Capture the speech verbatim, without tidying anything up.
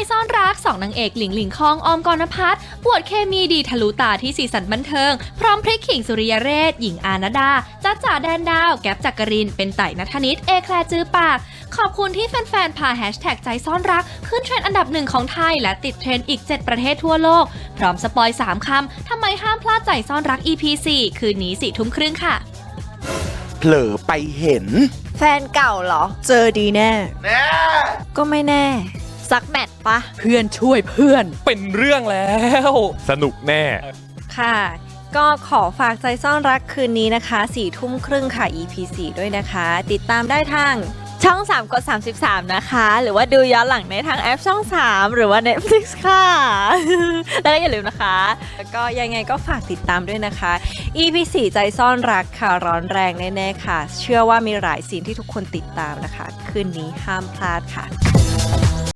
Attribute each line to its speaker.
Speaker 1: ซ่อนรักสองนางเอกหลิงหลิงคองออมกรพัฒน์ปวดเคมีดีทะลุตาที่สีสันบันเทิงพร้อมพริกขิงสุริยเรศหญิงอาณาดาจ้าจ๋าแดนดาวแก๊ปจักรินเป็นไต่ณัฐนิตเอแคลจือปากขอบคุณที่แฟนๆพาแฮชแท็กใจซ่อนรักขึ้นเทรนด์อันดับหนึ่งของไทยและติดเทรนด์อีกเจ็ดประเทศทั่วโลกพร้อมสปอยสามคำทำไมห้ามพลาดใจซ่อนรัก อี พี สี่ คืนนี้สี่ทุ่มครึ่งค่ะ
Speaker 2: เผลอไปเห็น
Speaker 3: แฟนเก่าเหรอเจอดีแน่แน่ก็ไม่แน่สักแมตช์ปะเพื่อนช่วยเพื่อน
Speaker 4: เป็นเรื่องแล้วสนุกแน่
Speaker 3: ค่ะก็ขอฝากใจซ่อนรักคืนนี้นะคะสี่ทุ่มครึ่งค่ะ อี พี สี่ ด้วยนะคะติดตามได้ทางช่องสามกดสามสิบสามนะคะหรือว่าดูย้อนหลังในทางแอปช่องสามหรือว่า Netflix ค่ะ แล้วก็อย่าลืมนะคะแล้วก็ยังไงก็ฝากติดตามด้วยนะคะ อี พี สี่ ใจซ่อนรักค่ะร้อนแรงแน่ๆค่ะเชื่อว่ามีหลายซีนที่ทุกคนติดตามนะคะคืนนี้ห้ามพลาดค่ะ